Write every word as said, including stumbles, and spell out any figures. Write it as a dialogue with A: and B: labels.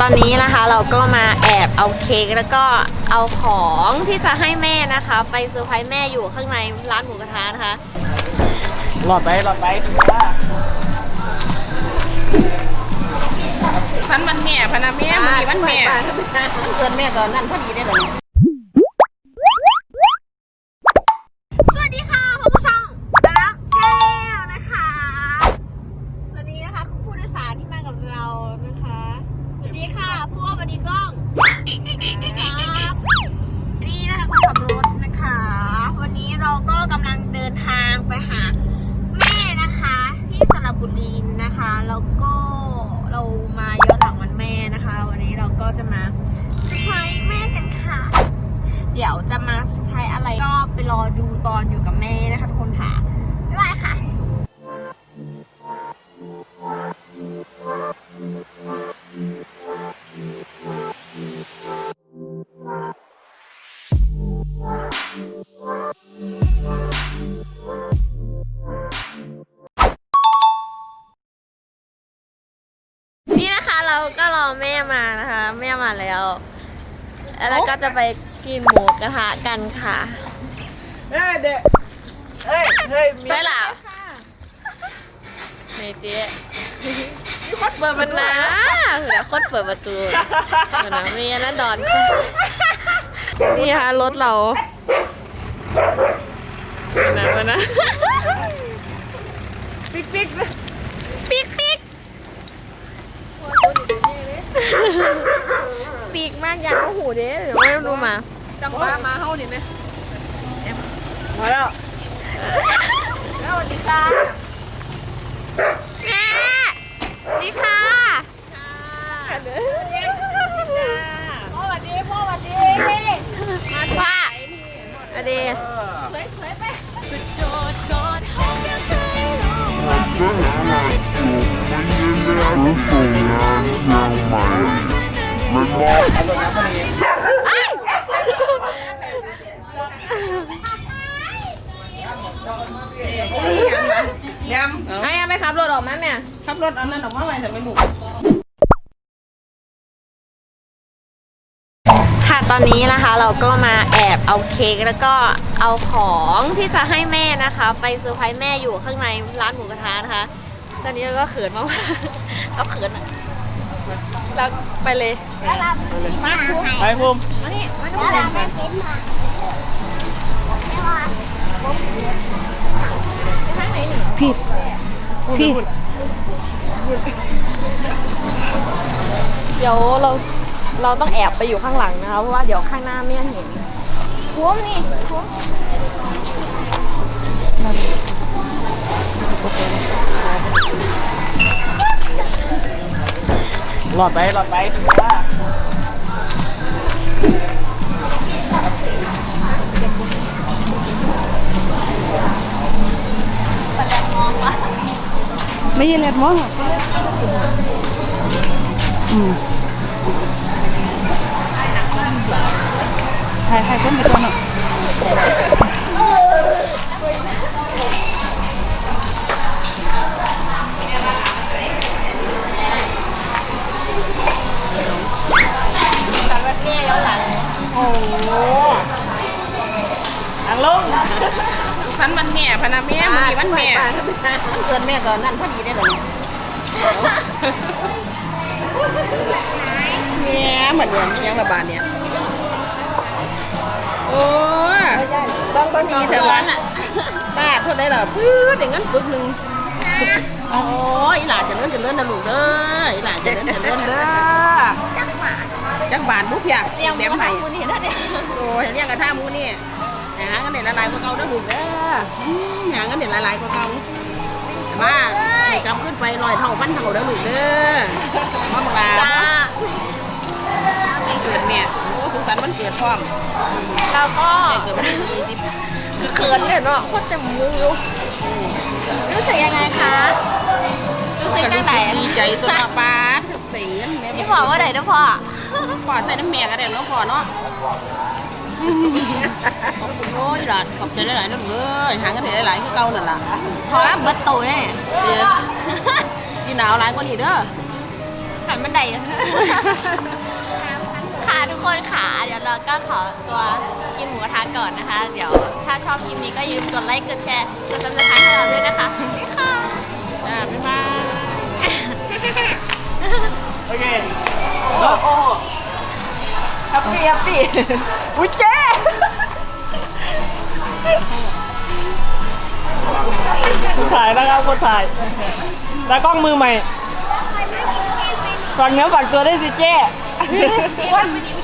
A: ตอนนี้นะคะเราก็มาแอบเอาเค้กแล้วก็เอาของที่จะให้แม่นะคะไปเซอร์ไพรส์แม่อยู่ข้างในร้านหมูกระทะนะคะ
B: หลอดไปหลอดไป
C: ฉันวันแม่พนาแม่มันมีวันแม่เกิดแม่ก่อนนั่นพอดีได้เลย
A: สวัสดีค่ะคุณผู้ชมรักแชร์นะคะวันนี้นะคะผู้โดยสารที่มากับเรานะคะสวัสดีค่ะพวกสวัสดีกล้องครับนี่นะคะคนขับรถนะคะวันนี้เราก็กำลังเดินทางไปหาแม่นะคะที่สระบุรีนะคะแล้วก็เรามาย้อนหลังวันแม่นะคะวันนี้เราก็จะมาเซอร์ไพรส์แม่กันค่ะเดี๋ยวจะมาเซอร์ไพรส์อะไรก็ไปรอดูตอนอยู่กับแม่นะคะทุกคนค่ะบ๊ายบายค่ะนี่นะคะเราก็รอแม่มานะคะแม่มาแล้วแล้วก็จะไปกินหมูกระทะกันค่ะ
C: เฮ้ยเด็กเฮ้ยเฮ้ย
A: ใช่หรอเฮ้ยเจ๊
C: มีคนเปิด
A: มันนะเดี๋ยวคนเปิดประตูมันนะมีนะดอนนี่ค่ะรถเรามันนะมันนะ
C: ปิ๊กปิ๊ก
A: ปิ๊กปิ๊กปีกมากอยากเอาหูเด้เดี๋ยวไม่รู้มา
C: จังหวะมาเฮาดิไหมมาแล้วแล้วสวัสดีค่ะ
A: แม่ดีค่ะ
C: พ่อสวัสดีพ่อสวัสดี
A: มาว่าอเด
C: สวยสวยไป
D: โจทย์กอดห้องยังเคยร้องมันก็หามาสูงมันยังเรียกส่งงานยังใหม่มันบอก
B: เอาตัวน้ำมาเอง
C: ยำให้ยังไปขับรถออกนั้นเนี่ยขับรถเอานั่นออกมาไว้แต่ไม่หนุก
A: ค่ะตอนนี้นะคะเราก็มาแอบเอาเค้กแล้วก็เอาของที่จะให้แม่นะคะไปเซอร์ไพรส์แม่อยู่ข้างในร้านหมูกระทะนะคะตอนนี้เราก็เขินมากก็เขินอ่ะเราไปเลย
B: มาไปภูมิ
A: มานี่มาดู
C: ผิดผิด
A: เดี๋ยวเราเราต้องแอบไปอยู่ข้างหลังนะคะเพราะว่าเดี๋ยวข้างหน้าไม่เห็นคุ้มนี่คุ้ม
B: หลอดไปหลอดไป
C: ไม่ยินเลยมั้งอืมใครใครขึ้นไปตัวหนึ่ง
A: แม่ย้อนหลัง
C: โอ้โหอังลงฉันวันแม่พนาแม่มันมีวันแม่เกิดแม่ก่อนนั่นพอดีได้เลยแม่เหมือนเดิมยังระบาดเนี่ยโอ้ยต้องพอดีเถอะวะป้าเท่าได้หรอพื้นอย่างนั้นปึ๊บหนึ่งโอ้ยหลานจะเลื่อนจะเลื่อนนะลูกเด้อหลานจะเลื่อนจะเลื่อนเด้อจังบานบุกอยากเลี้ยงแม่ไผ่โอ้ยเลี้ยงกระทะมูนี่หาเงินเด่นละลายกว่าเก่าได้ลูกเด้อหาเงินเด่นละลายกว่าเก่าแต่ว่าให้กำขึ้นไปลอยเท่าพันเท่าได้ลูกเด้อมาบังลา
A: จ้า
C: เกิดแม่โอ้สุขสันต์วันเกิดพร้อม
A: เราก็
C: เกิดวันที่ยี่สิบ
A: เขินเลยเนาะโคตรจะมูอยู่รู้สึกยังไงคะรู้สึกยังไง
C: ดีใจตัวป้าถึงเสียงแม่
A: พี่บอกว่าไหนนะพ่อ
C: พ่อใส่น้ำแม่ก็ได้เนาะพ่อเนาะขอบคุณโอ้ยหลานขอบใจหลายๆนะลูกเอ้ยหาเงินได้หลายๆคือเก่านั่นล่ะ
A: ท้อเบิดตูเนี่ย
C: ยีหนาวหลายกว่านี้เด้อ
A: คขันบันไดค่ะทุกคนค่ะเดี๋ยวเราก็ขอตัวกินหมูกระทะก่อนนะคะ เดี๋ยวถ้าชอบคลิปนี้ก็อย่าลืมกดไลค์กดแชร์กดซับสไครต์ให้เราด้วยนะคะค่ะ
C: จ้าบ๊ายบาย
B: โอเคโอ้โห
C: แฮปปี้แฮปปี้อุ้ยเจ๊
B: คนถ่ายนะครับคนถ่ายตากล้องมือใหม่ฝากเนื้อฝากตัวได้สิเจ้
A: วันนี้